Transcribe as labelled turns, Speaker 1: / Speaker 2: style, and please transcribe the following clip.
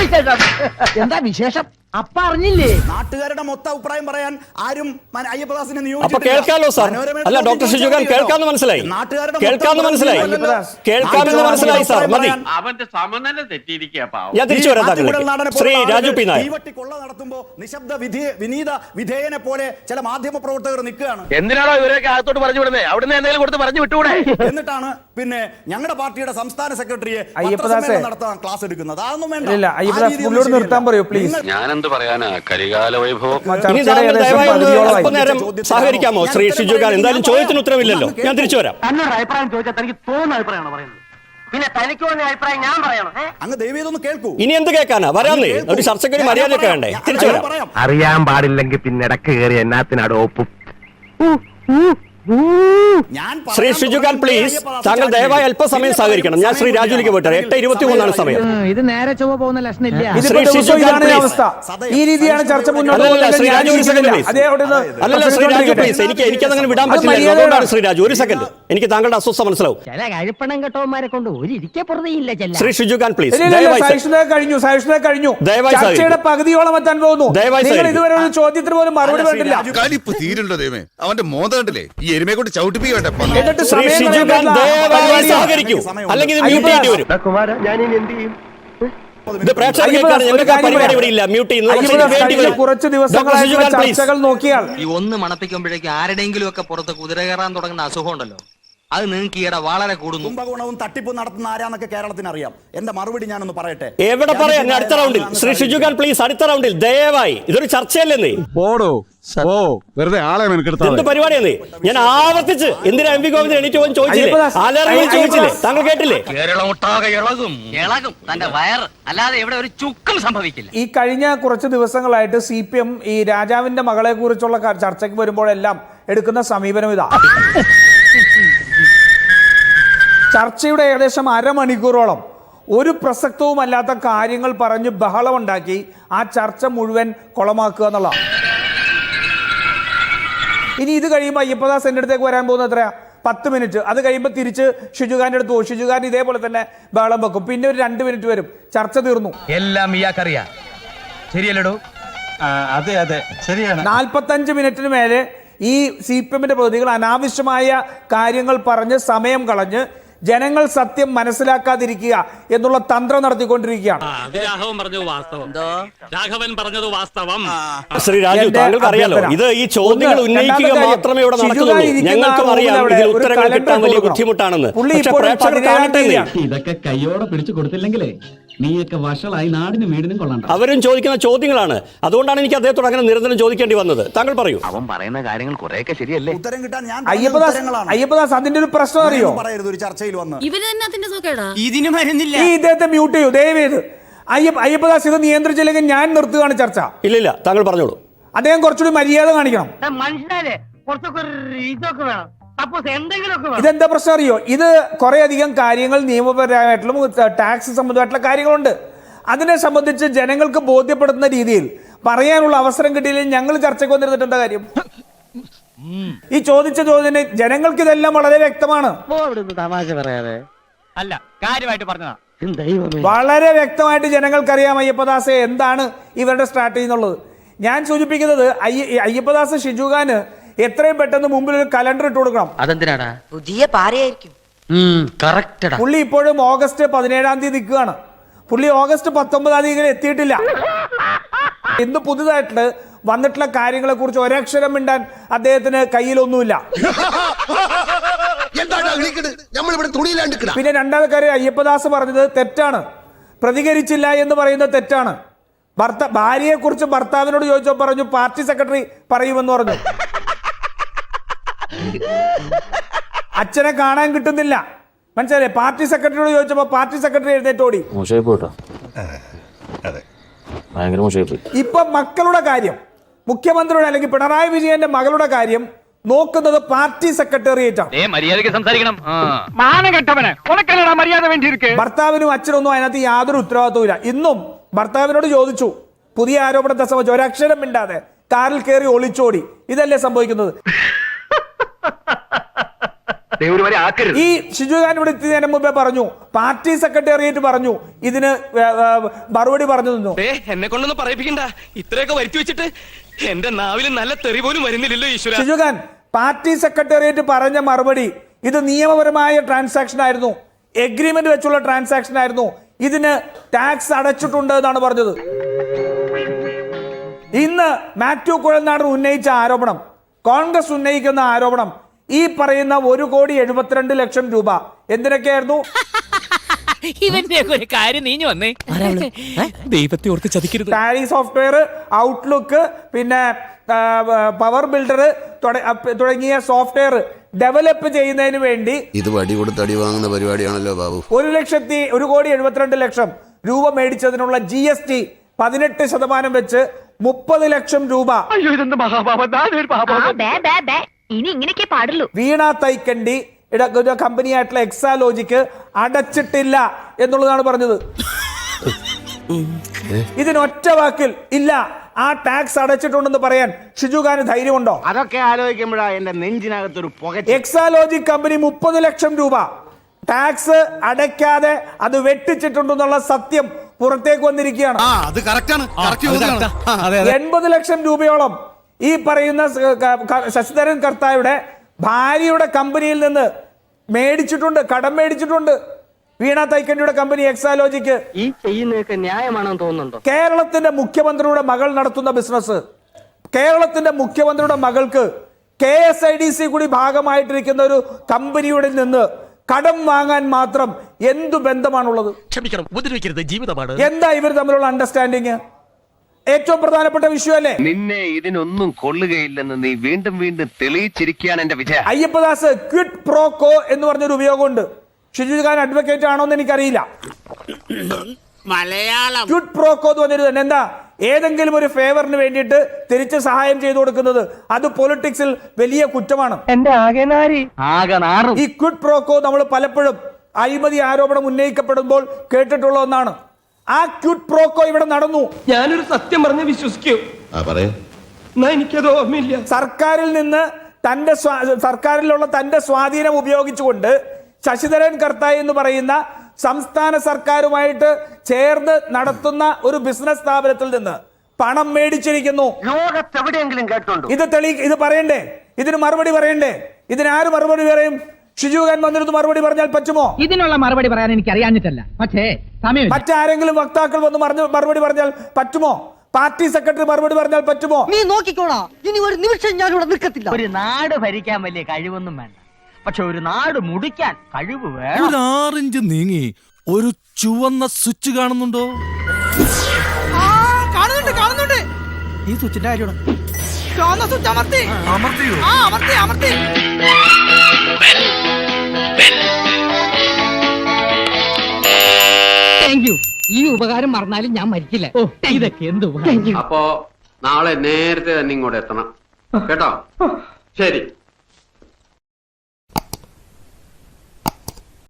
Speaker 1: എന്താ വിശേഷം? അപ്പ അറിഞ്ഞില്ലേ?
Speaker 2: നാട്ടുകാരുടെ മൊത്തം അഭിപ്രായം പറയാൻ ആരും അയ്യപ്പദാസിനെ
Speaker 3: അപ്പൊ കേൾക്കാലോ സാർ? അല്ല ഡോക്ടർ ഷിജുഖാൻ കേൾക്കാന്ന് മനസ്സിലായി, കേൾക്കാന്ന് മനസ്സിലായി സാർ. മതി,
Speaker 4: അവന്റെ സമനില തെറ്റിയിരിക്കുക.
Speaker 3: ഞാൻ തിരിച്ചു വരാം താങ്കളിലേക്ക്. ശ്രീ രാജു പി നായർ,
Speaker 2: കൊള്ള നടത്തുമ്പോ നിശബ്ദ വിനീത വിധേയനെ പോലെ ചില മാധ്യമ പ്രവർത്തകർ നിൽക്കുകയാണ്.
Speaker 4: എന്തിനാണോ ഇവരൊക്കെ അകത്തോട്ട് പറഞ്ഞു വിടുന്നത്? അവിടുന്ന് എന്തെങ്കിലും കൊടുത്ത് പറഞ്ഞു വിട്ടുകൂടെ?
Speaker 2: എന്നിട്ടാണ് പിന്നെ ഞങ്ങളുടെ പാർട്ടിയുടെ സംസ്ഥാന സെക്രട്ടറിയെ നടത്താൻ ക്ലാസ് എടുക്കുന്നത്. അതൊന്നും വേണ്ട.
Speaker 5: നിർത്താൻ പറയൂ പ്ലീസ്.
Speaker 4: ഞാനെന്ത് പറയാനാ, കരികാല വൈഭവം.
Speaker 3: സഹകരിക്കാമോ ശ്രീ ഷിജുഖാൻ? എന്തായാലും ചോദ്യത്തിന് ഉത്തരവില്ലല്ലോ, ഞാൻ തിരിച്ചു വരാം.
Speaker 1: എന്നോട് അഭിപ്രായം ചോദിച്ചാൽ തനിക്ക് തോന്നുന്ന അഭിപ്രായമാണ് പറയുന്നത്. പിന്നെ തനിക്ക് തോന്നിയ അഭിപ്രായം ഞാൻ പറയണം.
Speaker 2: അങ്ങ് ദയവേതൊന്ന് കേൾക്കൂ.
Speaker 3: ഇനി എന്ത് കേൾക്കാനാ? വരാന്നേ, ഒരു ചർച്ചയ്ക്ക് ഒരു മര്യാദയൊക്കെ വേണ്ടേ? തിരിച്ചു വരാം.
Speaker 4: അറിയാൻ പാടില്ലെങ്കിൽ പിന്നെ ഇടക്ക് കയറി എന്നാത്തിനാട് ഒപ്പും.
Speaker 3: ശ്രീ ഷിജുഖാൻ പ്ലീസ്, താങ്കൾ ദയവായി അല്പസമയം സഹകരിക്കണം. ഞാൻ ശ്രീ രാജുവിലേക്ക് പോട്ടെ. 8:23 സമയം.
Speaker 1: ഇത് നേരെ ചൊവ്വ പോകുന്ന ലക്ഷണില്ല.
Speaker 5: ഈ രീതിയാണ് ചർച്ച മുന്നോട്ട്
Speaker 3: ശ്രീ രാജു ഒരു സെക്കൻഡ് പ്ലീസ്. അല്ലല്ല ശ്രീ രാജു പ്ലീസ്, എനിക്കതങ്ങനെ വിടാൻ പറ്റില്ല. അതുകൊണ്ടാണ് ശ്രീ രാജു ഒരു സെക്കൻഡ്. എനിക്ക് താങ്കളുടെ അസ്വസ്ഥ മനസ്സിലാവും.
Speaker 1: ചില കഴിപ്പണം കെട്ടവന്മാരെ കൊണ്ട് ഒരു ഇരിക്കെ പുറത്തേയില്ല.
Speaker 3: ശ്രീ ഷിജുഖാൻ പ്ലീസ്,
Speaker 5: കഴിഞ്ഞു. ചർച്ചയുടെ പകുതിയോളം എത്താൻ പോകുന്നു. നിങ്ങൾ ഇതുവരെ ഒരു ചോദ്യത്തിന് പോലും മറുപടി പറഞ്ഞില്ല.
Speaker 6: അവന്റെ മോദം കണ്ടില്ലേ? എരുമയെ കൊണ്ട് ചവിട്ടിപ്പിക്കട്ടെ.
Speaker 3: ശ്രീ ഷിജുഖാൻ ദയവായി സഹകരിക്കൂ, അല്ലെങ്കിൽ ഇത് മ്യൂട്ട് ചെയ്യേണ്ടി വരും. ഇത് പ്രേക്ഷകർക്കാണ്, ഞങ്ങൾക്ക് പരിപാടി ഇവിടെ ഇല്ല. മ്യൂട്ട് ചെയ്യുന്നത്
Speaker 5: കുറച്ച് ദിവസങ്ങളായി ചർച്ചകൾ നോക്കിയാൽ
Speaker 7: ഈ ഒന്ന് മണപ്പിക്കുമ്പോഴേക്കും ആരുടെയെങ്കിലും ഒക്കെ പുറത്ത് കുതിര കയറാൻ തുടങ്ങുന്ന അസുഖം ഉണ്ടല്ലോ, അത് നിങ്ങൾക്ക് ഈയിടെ വളരെ കൂടുന്നു.
Speaker 2: കുംഭകോണവും തട്ടിപ്പും നടത്തുന്ന ആരാന്നൊക്കെ കേരളത്തിന് അറിയാം. എന്റെ മറുപടി ഞാനൊന്ന് പറയട്ടെ.
Speaker 3: എവിടെ പറയാം? അടുത്ത റൗണ്ടിൽ ശ്രീ ഷിജുഖാൻ പ്ലീസ്, അടുത്ത റൗണ്ടിൽ ദയവായി. ഇതൊരു ചർച്ചയല്ലേ?
Speaker 6: വെറുതെ ആളെ
Speaker 3: എന്ത് പരിപാടിയാണ്? ഞാൻ ആവർത്തിച്ച് എന്തിനാ എം വി ഗോവിന്ദൻ എണീറ്റ് പോകാൻ ചോദിച്ചില്ലേ? ആലറിയിൽ ചോദിച്ചില്ലേ? താങ്കൾ കേട്ടില്ലേ?
Speaker 7: ഇളകും തന്റെ വയറ്, അല്ലാതെ ഇവിടെ ഒരു ചുക്കും സംഭവിക്കില്ല.
Speaker 5: ഈ കഴിഞ്ഞ കുറച്ച് ദിവസങ്ങളായിട്ട് CPM ഈ രാജാവിന്റെ മകളെ കുറിച്ചുള്ള ചർച്ചയ്ക്ക് വരുമ്പോഴെല്ലാം എടുക്കുന്ന സമീപനം ഇതാ. ചർച്ചയുടെ ഏകദേശം അരമണിക്കൂറോളം ഒരു പ്രസക്തവുമല്ലാത്ത കാര്യങ്ങൾ പറഞ്ഞ് ബഹളമുണ്ടാക്കി ആ ചർച്ച മുഴുവൻ കുളമാക്കുക എന്നുള്ളതാണ്. ഇനി ഇത് കഴിയുമ്പോൾ അയ്യപ്പദാസ് എൻ്റെ അടുത്തേക്ക് വരാൻ പോകുന്നത് എത്രയാ? 10 മിനിറ്റ്. അത് കഴിയുമ്പോൾ തിരിച്ച് ഷിജുഖാന്റെ അടുത്ത് പോകും. ഷിജുഖാൻ ഇതേപോലെ തന്നെ ബഹളം വെക്കും. പിന്നെ ഒരു 2 മിനിറ്റ് വരും. ചർച്ച തീർന്നു.
Speaker 7: എല്ലാം ഇയാൾക്കറിയാം, ശരിയല്ലടോ?
Speaker 8: അതെ അതെ ശരിയാണ്.
Speaker 5: 45 മിനിറ്റിന് മേലെ ഈ CPMന്റെ പ്രതിനിധികൾ അനാവശ്യമായ കാര്യങ്ങൾ പറഞ്ഞ് സമയം കളഞ്ഞ് ജനങ്ങൾ സത്യം മനസ്സിലാക്കാതിരിക്കുക എന്നുള്ള തന്ത്രം നടത്തിക്കൊണ്ടിരിക്കുകയാണ്.
Speaker 3: ശ്രീ രാജു, താങ്കൾക്ക് അറിയാലോ, ഇത് ഈ ചോദ്യങ്ങൾ ഉന്നയിക്കുക മാത്രമേ ഇവിടെ നടക്കുന്നുള്ളൂ. ഞങ്ങൾക്കും അറിയാം ഇതിൽ ഉത്തരങ്ങൾ കിട്ടാൻ വലിയ ബുദ്ധിമുട്ടാണെന്ന്. പക്ഷേ പ്രേക്ഷകർ കാണട്ടെ.
Speaker 8: ഇതൊക്കെ കയ്യോടെ പിടിച്ചു കൊടുത്തില്ലെങ്കിലേ നീയൊക്കെ വഷളായി നാടിനും വീടിനും കൊള്ളണ്ട.
Speaker 3: അവരും ചോദിക്കുന്ന ചോദ്യങ്ങളാണ്. അതുകൊണ്ടാണ് എനിക്ക് അദ്ദേഹത്തോട് അങ്ങനെ നിരന്തരം ചോദിക്കേണ്ടി വന്നത്. താങ്കൾ പറയൂ.
Speaker 4: അവൻ പറയുന്ന കാര്യങ്ങൾ കുറെയൊക്കെ ശരിയല്ലേ?
Speaker 2: ഉത്തരം കിട്ടാൻ ഞാൻ
Speaker 5: അയ്യപ്പദാസ് അതിന്റെ ഒരു പ്രശ്നം അറിയോ?
Speaker 2: പറയരുത് ഒരു ചർച്ചയിൽ വന്ന്.
Speaker 7: ഇതിന് മരുന്നില്ല.
Speaker 5: ഈ ഇദ്ദേഹത്തെ മ്യൂട്ട് ചെയ്യൂ ദയവേത്. അയ്യപ്പദാസ് ഇത് നിയന്ത്രിച്ചില്ലെങ്കിൽ ഞാൻ നിർത്തുകയാണ് ചർച്ച.
Speaker 3: ഇല്ലില്ല, താങ്കൾ പറഞ്ഞോളൂ.
Speaker 5: അദ്ദേഹം കുറച്ചുകൂടി മര്യാദ കാണിക്കണം.
Speaker 1: മനുഷ്യരെ കുറച്ചൊക്കെ ഇതൊക്കെ വേണം.
Speaker 5: ഇതെന്താ പ്രശ്നം അറിയോ? ഇത് കുറെ അധികം കാര്യങ്ങൾ നിയമപരമായിട്ടുള്ള ടാക്സ് സംബന്ധമായിട്ടുള്ള കാര്യങ്ങളുണ്ട്. അതിനെ സംബന്ധിച്ച് ജനങ്ങൾക്ക് ബോധ്യപ്പെടുത്തുന്ന രീതിയിൽ പറയാനുള്ള അവസരം കിട്ടിയില്ലെങ്കിൽ ഞങ്ങൾ ചർച്ചയ്ക്ക് വന്നിരുന്നിട്ട് എന്താ കാര്യം? ഈ ചോദിച്ച ചോദ്യം ജനങ്ങൾക്ക് ഇതെല്ലാം വളരെ വ്യക്തമാണ്.
Speaker 1: തമാശ പറയാതെ
Speaker 7: അല്ല, കാര്യമായിട്ട് പറഞ്ഞതാ.
Speaker 5: വളരെ വ്യക്തമായിട്ട് ജനങ്ങൾക്കറിയാം അയ്യപ്പദാസെ എന്താണ് ഇവരുടെ സ്ട്രാറ്റജി എന്നുള്ളത്. ഞാൻ സൂചിപ്പിക്കുന്നത് അയ്യപ്പദാസ് ഷിജുഖാന് എത്രയും പെട്ടെന്ന് മുമ്പിൽ ഒരു കലണ്ടർ ഇട്ട് കൊടുക്കണം.
Speaker 7: അതെന്തിനാടാ?
Speaker 9: പുതിയ പാരയായിരിക്കും.
Speaker 5: പുള്ളി ഇപ്പോഴും ഓഗസ്റ്റ് 17-ാം തീയതി നിൽക്കുകയാണ്. പുള്ളി ഓഗസ്റ്റ് 19-ാം തീയതി എത്തിയിട്ടില്ല. ഇന്ന് പുതുതായിട്ട് വന്നിട്ടുള്ള കാര്യങ്ങളെ കുറിച്ച് ഒരക്ഷരം മിണ്ടാൻ അദ്ദേഹത്തിന് കയ്യിലൊന്നുമില്ല. പിന്നെ രണ്ടാമത്തെ കാര്യം, അയ്യപ്പദാസ് പറഞ്ഞത് തെറ്റാണ്. പ്രതികരിച്ചില്ല എന്ന് പറയുന്നത് തെറ്റാണ്. ഭാര്യയെ കുറിച്ച് ഭർത്താവിനോട് ചോദിച്ചോ പറഞ്ഞു പാർട്ടി സെക്രട്ടറി പറയുമെന്ന് പറഞ്ഞു. അച്ഛനെ കാണാൻ കിട്ടുന്നില്ല, മനസ്സിലായില്ലേ? പാർട്ടി സെക്രട്ടറിയോട് ചോദിച്ചപ്പോ പാർട്ടി സെക്രട്ടറി എഴുന്നേറ്റോടി. ഇപ്പൊ മക്കളുടെ കാര്യം, മുഖ്യമന്ത്രിയുടെ അല്ലെങ്കിൽ പിണറായി വിജയന്റെ മകളുടെ കാര്യം നോക്കുന്നത് പാർട്ടി സെക്രട്ടേറിയറ്റ് ആണ്. ഭർത്താവിനും അച്ഛനൊന്നും അതിനകത്ത് യാതൊരു ഉത്തരവാദിത്വമില്ല. ഇന്നും ഭർത്താവിനോട് ചോദിച്ചു പുതിയ ആരോപണത്തെ സംബന്ധിച്ച് ഒരക്ഷരം മിണ്ടാതെ കാറിൽ കയറി ഒളിച്ചോടി. ഇതല്ലേ സംഭവിക്കുന്നത്?
Speaker 4: വരെ ആക്കരുത്.
Speaker 5: ഈ ഷിജുഖാൻ ഇവിടെ എത്തിയതിന് മുമ്പേ പറഞ്ഞു, പാർട്ടി സെക്രട്ടേറിയറ്റ് പറഞ്ഞു, ഇതിന് മറുപടി പറഞ്ഞു നിന്നു.
Speaker 9: എന്നെ കൊണ്ടൊന്നും പറയിപ്പിക്കണ്ട, ഇത്രയൊക്കെ വരുത്തി വെച്ചിട്ട് എന്റെ നാവിൽ നല്ല തെറി പോലും വരുന്നില്ലല്ലോ ഈശ്വര.
Speaker 5: ഷിജുഖാൻ, പാർട്ടി സെക്രട്ടേറിയറ്റ് പറഞ്ഞ മറുപടി ഇത് നിയമപരമായ ട്രാൻസാക്ഷൻ ആയിരുന്നു, എഗ്രിമെന്റ് വെച്ചുള്ള ട്രാൻസാക്ഷൻ ആയിരുന്നു, ഇതിന് ടാക്സ് അടച്ചിട്ടുണ്ട് എന്നാണ് പറഞ്ഞത്. ഇന്ന് മാത്യു കുഴൽനാടൻ ഉന്നയിച്ച ആരോപണം, കോൺഗ്രസ് ഉന്നയിക്കുന്ന ആരോപണം, ഈ പറയുന്ന 1,72,00,000 രൂപ എന്തിനൊക്കെയായിരുന്നു?
Speaker 10: ഇവന്റെ ഒരു കാര്യം നീഞ്ഞു വന്നേ, ദൈവത്തെ ഓർത്ത് ചതിക്കരുത്.
Speaker 5: ടാലി സോഫ്റ്റ്വെയർ, ഔട്ട്ലുക്ക്, പിന്നെ പവർ ബിൽഡർ തുടങ്ങിയ സോഫ്റ്റ്വെയർ ഡെവലപ്പ് ചെയ്യുന്നതിന് വേണ്ടി
Speaker 6: ഇത് വടി കൊടുത്ത് അടി വാങ്ങുന്ന പരിപാടിയാണല്ലോ ബാബു.
Speaker 5: 1,72,00,000 രൂപ മേടിച്ചതിനുള്ള GST 18% വെച്ച് 30 ലക്ഷം രൂപ
Speaker 10: ഇനി ഇങ്ങനെയൊക്കെ പാടുള്ളൂ.
Speaker 5: വീണ തൈക്കണ്ടി കമ്പനിയായിട്ടുള്ള എക്സാലോജിക്ക് അടച്ചിട്ടില്ല എന്നുള്ളതാണ് പറഞ്ഞത്. ഇതിനൊറ്റ വാക്കിൽ ഇല്ല, ആ ടാക്സ് അടച്ചിട്ടുണ്ടെന്ന് പറയാൻ ഷിജുഖാന് ധൈര്യമുണ്ടോ?
Speaker 1: അതൊക്കെ ആലോചിക്കുമ്പോഴാ എന്റെ നെഞ്ചിനകത്തൊരു പുക.
Speaker 5: എക്സാലോജി കമ്പനി 30 ലക്ഷം രൂപ ടാക്സ് അടയ്ക്കാതെ അത് വെട്ടിച്ചിട്ടുണ്ടെന്നുള്ള സത്യം പുറത്തേക്ക് വന്നിരിക്കുകയാണ്. 80 ലക്ഷം രൂപയോളം ഈ പറയുന്ന ശശിധരൻ കർത്തായുടെ ഭാര്യയുടെ കമ്പനിയിൽ നിന്ന് മേടിച്ചിട്ടുണ്ട്, കടം മേടിച്ചിട്ടുണ്ട്. വീണ തൈക്കണ്ടിയുടെ കമ്പനി എക്സാലോജിക്ക്.
Speaker 1: ഈ ചെയ്യുന്നതൊക്കെ ന്യായമാണെന്ന് തോന്നുന്നുണ്ടോ?
Speaker 5: കേരളത്തിന്റെ മുഖ്യമന്ത്രിയുടെ മകൾ നടത്തുന്ന ബിസിനസ്, കേരളത്തിന്റെ മുഖ്യമന്ത്രിയുടെ മകൾക്ക് KSIDC കൂടി ഭാഗമായിട്ടിരിക്കുന്ന ഒരു കമ്പനിയുടെ നിന്ന് കടം വാങ്ങാൻ മാത്രം എന്തു ബന്ധമാണുള്ളത്?
Speaker 9: ക്ഷമിക്കണം, ഉപദ്രവിക്കരുത്, ജീവിതമാണ്.
Speaker 5: എന്താ ഇവർ തമ്മിലുള്ള അണ്ടർസ്റ്റാൻഡിങ്? ഏറ്റവും പ്രധാനപ്പെട്ട വിഷയമല്ലേ?
Speaker 4: നിന്നെ ഇതിനൊന്നും കൊള്ളുകയില്ലെന്ന് നീ വീണ്ടും വീണ്ടും തെളിയിച്ചിരിക്കുകയാണ് എന്റെ വിജയം.
Speaker 5: അയ്യപ്പദാസ്, ക്വിഡ് പ്രോ കോ എന്ന് പറഞ്ഞൊരു ഉപയോഗമുണ്ട്. ഷിജുഖാൻ അഡ്വക്കേറ്റ് ആണോ എന്ന് എനിക്കറിയില്ല.
Speaker 10: മലയാളം
Speaker 5: ക്വിഡ് പ്രോ കോ എന്ന് പറഞ്ഞൊരു തന്നെ എന്താ? ഏതെങ്കിലും ഒരു ഫേവറിന് വേണ്ടിയിട്ട് തിരിച്ച് സഹായം ചെയ്തു കൊടുക്കുന്നത് അത് പൊളിറ്റിക്സിൽ വലിയ കുറ്റമാണ്. ഈ ക്വിഡ് പ്രോ കോ നമ്മൾ പലപ്പോഴും അഴിമതി ആരോപണം ഉന്നയിക്കപ്പെടുമ്പോൾ കേട്ടിട്ടുള്ള ഒന്നാണ്. ആ ക്വിഡ് പ്രോ കോ ഇവിടെ നടന്നു.
Speaker 9: ഞാനൊരു സത്യം പറഞ്ഞ് വിശ്വസിക്കൂ, എനിക്കത് ഓർമ്മയില്ല.
Speaker 5: സർക്കാരിൽ നിന്ന് സർക്കാരിലുള്ള തന്റെ സ്വാധീനം ഉപയോഗിച്ചുകൊണ്ട് ശശിധരൻ കർത്തായി എന്ന് പറയുന്ന സംസ്ഥാന സർക്കാരുമായിട്ട് ചേർന്ന് നടത്തുന്ന ഒരു ബിസിനസ് സ്ഥാപനത്തിൽ നിന്ന് പണം മേടിച്ചിരിക്കുന്നു.
Speaker 1: ലോകത്തെവിടെയെങ്കിലും കേട്ടുണ്ടോ?
Speaker 5: ഇത് പറയണ്ടേ? ഇതിന് മറുപടി പറയണ്ടേ? ഇതിനാര് മറുപടി പറയും? ഷിജുഖാൻ വന്നിരുന്ന് മറുപടി പറഞ്ഞാൽ പറ്റുമോ?
Speaker 10: ഇതിനുള്ള മറുപടി പറയാൻ എനിക്ക് അറിയാഞ്ഞിട്ടല്ല, പക്ഷേ
Speaker 5: മറ്റാരെങ്കിലും വക്താക്കൾ വന്ന് മറുപടി പറഞ്ഞാൽ പറ്റുമോ? പാർട്ടി സെക്രട്ടറി മറുപടി പറഞ്ഞാൽ പറ്റുമോ?
Speaker 1: നീ നോക്കിക്കോളാ, ഇനി ഒരു നിമിഷം ഞാനിവിടെ നിൽക്കത്തില്ല. ഒരു നാട് ഭരിക്കാൻ വലിയ കഴിവൊന്നും വേണ്ട, പക്ഷെ ഒരു നാട് മുടിക്കാൻ കഴിവ് വേണം.
Speaker 6: 6 ഇഞ്ച് നീങ്ങി ഒരു ചുവന്ന സ്വിച്ച് കാണുന്നുണ്ടോ?
Speaker 10: കാണുന്നുണ്ട്.
Speaker 1: ഈ സ്വിച്ചിന്റെ കാര്യമാണ്.
Speaker 10: ചുവന്ന സ്വിച്ച് അമർത്തി. Thank you. ഈ ഉപകാരം മറന്നാലും ഞാൻ മരിക്കില്ല. ഇതൊക്കെ എന്ത്
Speaker 11: അപ്പോ നാളെ നേരത്തെ തന്നെ ഇങ്ങോട്ട് എത്തണം കേട്ടോ. ശരി.